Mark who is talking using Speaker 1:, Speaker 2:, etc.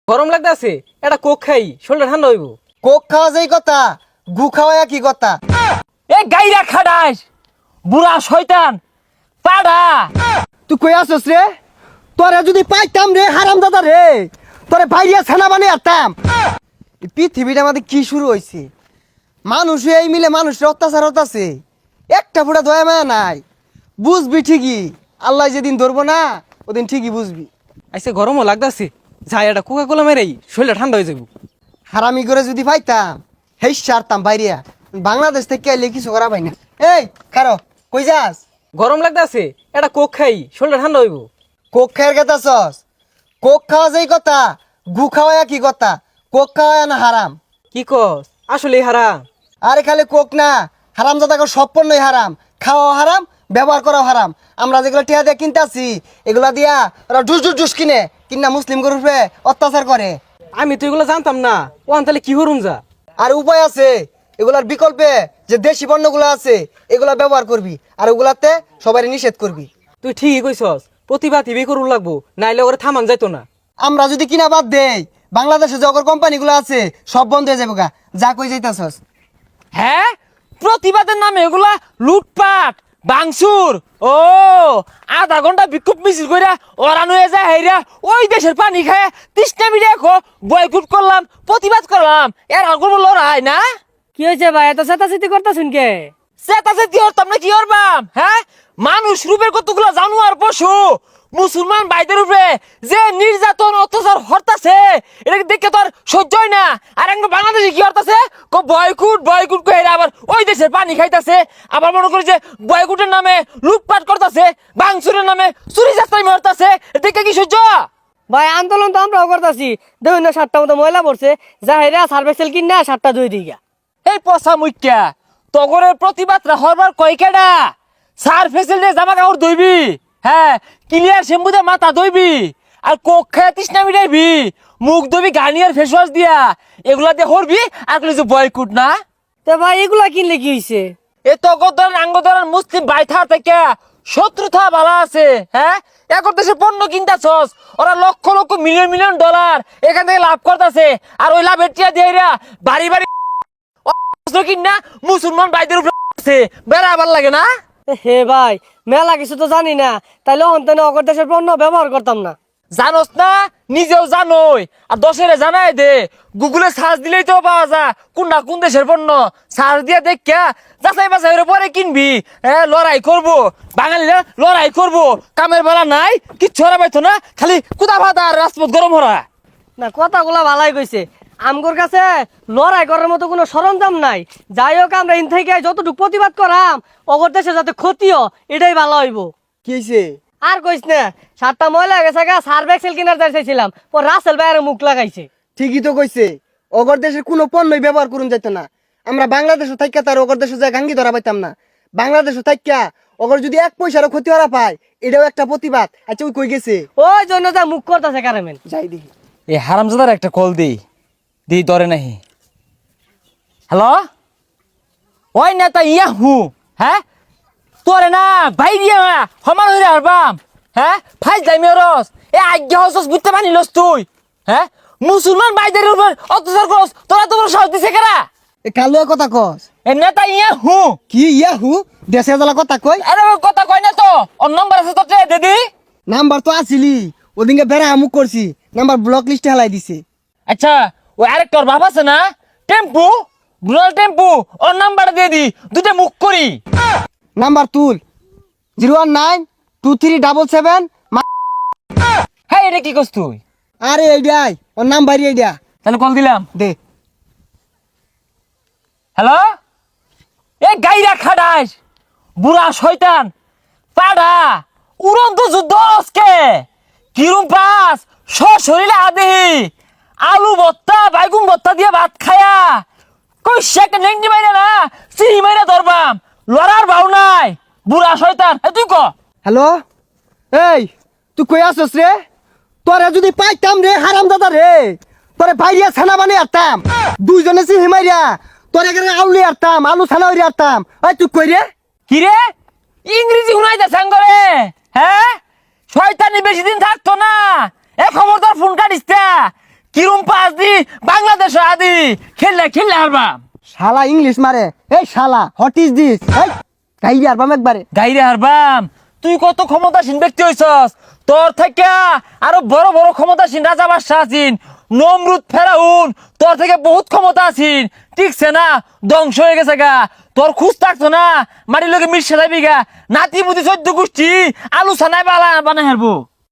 Speaker 1: গরম লাগতেছে, এটা কোক খাই, শরীরটা ঠান্ডা হইব।
Speaker 2: কোক খাওয়া যেই কথা, গু খাওয়া কি কথা?
Speaker 3: এ গাইরা খাডাস বুড়া শয়তান পাড়া।
Speaker 2: তুই কই আসছ রে? তোরে যদি পাইতাম রে হারাম দাদা রে, তোরে বাইরিয়া ছানা বানিয়ে আনতাম। এই পৃথিবীটা আমাদের কি শুরু হয়েছে? মানুষ এই মিলে মানুষের অত্যাচার হতাছে, একটা ফুটা দয়া মায়া নাই। বুঝবি ঠিকই, আল্লাহ যেদিন ধরবো না ওদিন ঠিকই বুঝবি।
Speaker 1: আইসে গরমও লাগতেছে, যাই এটা কোকা কোলা মেরাই, শরীরটা ঠান্ডা হয়ে যাব।
Speaker 2: হারামি করে যদি পাইতাম হেই সারতাম বাইরিয়া। বাংলাদেশ থেকে আইলে কিছু করা পাই না। এই খারো, কই যাস?
Speaker 1: গরম লাগতেছে, এটা কোক খাই, শরীরটা ঠান্ডা হইব।
Speaker 2: কোক খায়ের কথা সস? কোক খাওয়া যেই কথা, গু খাওয়া কি কথা? কোক খাওয়া না হারাম?
Speaker 1: কি কস, আসলেই হারাম?
Speaker 2: আরে খালি কোক না, হারাম জাদাকে সব পণ্যই হারাম। খাওয়াও হারাম, ব্যবহার করাও হারাম। আমরা যেগুলো টিয়া দিয়ে কিনতেছি এগুলা দিয়া ওরা ডুস ডুস ডুস কিনে কিনা মুসলিম গরুপে অত্যাচার করে।
Speaker 1: আমি তো এগুলো জানতাম না, ও তাহলে কি হরুম যা।
Speaker 2: আর উপায় আছে, এগুলার বিকল্পে যে দেশি পণ্যগুলো আছে এগুলা ব্যবহার করবি, আর ওগুলাতে সবাই নিষেধ করবি।
Speaker 1: তুই ঠিকই কইছস, প্রতিভা টিভি করুন লাগবো, নাইলে ওরে থামান যাইতো না।
Speaker 2: আমরা যদি কিনা বাদ দেই বাংলাদেশে যে অগর কোম্পানিগুলো আছে সব বন্ধ হয়ে যাবে গা। যা কই যাইতাছস?
Speaker 3: হ্যাঁ, প্রতিবাদের নামে এগুলা লুটপাট বাংসুর। ও আধা ঘন্টা বিক্ষোভ মিছিল কইরা ওরান হয়ে যায় হেরা ওই দেশের পানি খায় তৃষ্ণা মিডিয়া বয়কুট করলাম, প্রতিবাদ করলাম, এর আর কোনো লড়াই না।
Speaker 4: কি হয়েছে ভাই, এত চেতাচেতি করতেছুন কে?
Speaker 3: সেটাছে কি হরতাম না কি হরবাম? হ্যাঁ, মানুষ রূপের কতগুলো জানোয়ার পশু মুসলমান ভাইদের উপরে যে নির্যাতন অত্যাচার হরতাছে এটাকে দেখে তো আর সহ্য হয় না। আর একটা বাংলাদেশে কি হরতাছে, বয়কুট বয়কুট কই আবার ওই দেশের পানি খাইতাছে, আবার মনে করি যে বয়কুটের নামে লুটপাট করতেছে, বাংসুরের নামে চুরি চাস্তাই মারতাছে, দেখে কি সহ্য?
Speaker 4: ভাই আন্দোলন তো আমরাও করতেছি, দেখুন না 7টা মতো ময়লা পড়ছে, যা হেরা সার্ভেসেল কিনা 7টা ধুই দিগা।
Speaker 3: এই পচা মুখ্যা তগরের প্রতিবাদরা হরবার কয়কেডা? সার ফেসিলিটি জামা কাপড় ধুইবি, হ্যাঁ, ক্লিয়ার শ্যাম্পু দিয়ে মাথা ধুইবি, আর কোক খায় তৃষ্ণা মিটাইবি, মুখ ধুবি গার্নিয়ার ফেস ওয়াশ দিয়া, এগুলা দিয়ে হরবি আর কিছু বয়কুট না।
Speaker 4: তো ভাই এগুলা কিনলে কি হয়েছে?
Speaker 3: এ তগর আঙ্গদরের মুসলিম বাইথা থেকে শত্রুতা ভালো আছে। হ্যাঁ, এখন দেশে পণ্য কিনতাছস, ওরা লক্ষ লক্ষ মিলিয়ন মিলিয়ন ডলার এখান থেকে লাভ করতেছে, আর ওই লাভের টিয়া দিয়ে বাড়ি বাড়ি কিনা মুসলমান ভাইদের উপরে বেড়া আবার লাগে না।
Speaker 4: হে ভাই, মেলা কিছু তো জানি না, তাইলে অন্তনে অগর দেশের পণ্য ব্যবহার করতাম না।
Speaker 3: জানোস না, নিজেও জানোই, আর দশেরে জানাই দে, গুগলে সার্চ দিলেই তো পাওয়া যায় কোনটা কোন দেশের পণ্য। সার্চ দিয়ে দেখা যাচাই বাছাই পরে কিনবি। হ্যাঁ, লড়াই করবো, বাঙালিরা লড়াই করবো, কামের বেলা নাই, কিচ্ছু হরা পাইতো না, খালি কুদা ভাতা আর রাজপথ গরম হরা।
Speaker 4: না, কথাগুলা ভালাই কইছে, আমগোর কাছে লড়াই করার মতো কোনো সরঞ্জাম নাই। যাই হোক, আমরা ইন থেকে যতটুকু প্রতিবাদ করাম অগর দেশে যাতে ক্ষতিও, এটাই ভালো হইব।
Speaker 2: কি হয়েছে?
Speaker 4: আর কইস না, 7টা ময়লা গেছে গা, সার্ফ এক্সেল কিনার চাইছিলাম, পর রাসেল ভাইয়ের মুখ লাগাইছে।
Speaker 2: ঠিকই তো কইছে, অগর দেশের কোনো পণ্যই ব্যবহার করুন যাইতো না। আমরা বাংলাদেশও থাইকা তার অগর দেশে যায় গাঙ্গি ধরা পাইতাম না। বাংলাদেশও থাইকা অগর যদি 1 পয়সারও ক্ষতি হরা পায় এটাও একটা প্রতিবাদ। আচ্ছা ওই কই গেছে?
Speaker 4: ওই জন্য যা মুখ করতেছে কারেমেন।
Speaker 2: যাই দেখি।
Speaker 3: এই হারামজাদার একটা কল দিই ধরে নাহি। হ্যালো, ওই নেতা ইয়া হু, হ্যাঁ, তোরে না বাইরিয়া সমান হইরে হারবাম। হ্যাঁ, ফাইজ যাই মেরস, এ আজ্ঞা হসস বুঝতে পারিলস তুই? হ্যাঁ, মুসলমান ভাইদের উপর অত্যাচার করস, তোরা তো বড় সাহস দিছে কেরা?
Speaker 2: এ কালুয়া কথা কস?
Speaker 3: এ নেতা ইয়া হু।
Speaker 2: কি ইয়াহু? দেশে জ্বালা কথা কই?
Speaker 3: আরে কথা কই না তো, ওর নম্বর আছে তোর দিদি।
Speaker 2: নাম্বার তো আসিলি, ওদিনকে বেড়া আমুক করছি, নাম্বার ব্লক লিস্টে হেলাই দিছে।
Speaker 3: আচ্ছা, ওই আরেকটার বাপ আছে না, টেম্পু, রুরাল টেম্পু, ওর নাম্বার দিয়ে দি, দুটো মুখ করি।
Speaker 2: নাম্বার তুল, 0192377।
Speaker 3: হ্যাঁ, এটা কি করছ তুই?
Speaker 2: আরে এইডাই ওর নাম্বারই এইডা।
Speaker 3: তাহলে কল দিলাম।
Speaker 2: দে।
Speaker 3: হ্যালো, এ গাইরা খাডাস বুড়া শয়তান পাড়া, উড়ন্ত যুদ্ধ আজকে কিরম পাস শরীরে আদেহি আলু ভর্তা বাইগুন ভর্তা দিয়ে ভাত খায়া কই একটা নেংটি মাইরা না চিনি মাইরা ধরবাম, লড়ার ভাও নাই বুড়া শয়তান। তুই ক।
Speaker 2: হ্যালো, এই তুই কই আসছ রে? তোরে যদি পাইতাম রে হারাম দাদা রে, তোরে বাইরিয়া ছানা বানিয়ে আরতাম, দুইজনে সি হিমাইরা তোরে এখানে আউলি আরতাম, আলু ছানা হইরে আরতাম। এই তুই কই রে?
Speaker 3: কি রে, ইংরেজি শুনাইতে সাঙ্গরে? হ্যাঁ, শয়তানি বেশি দিন থাকতো না, এ খবরদার ফোন কাটিস না, কিরম পাস দি বাংলাদেশ আদি খেললে হারবাম।
Speaker 2: শালা ইংলিশ মারে, এই শালা হোয়াট ইজ দিস, এই গাইবি আরবাম একবারে।
Speaker 3: গাইরে হারবাম, তুই কত ক্ষমতাসীন ব্যক্তি হইছস, তোর থেকে আরো বড় বড় ক্ষমতাসীন রাজা বাদশাহ আছেন, নমরুদ ফেরাউন, তোর থেকে বহুত ক্ষমতা আছেন, ঠিকছে না, ধ্বংস হয়ে গেছে গা, তোর খুঁজ থাকতো না, মাটির লোকে মিশে যাবি গা, নাতি বুদ্ধি 14 গোষ্ঠী আলু ছানায় বানাই হারবো।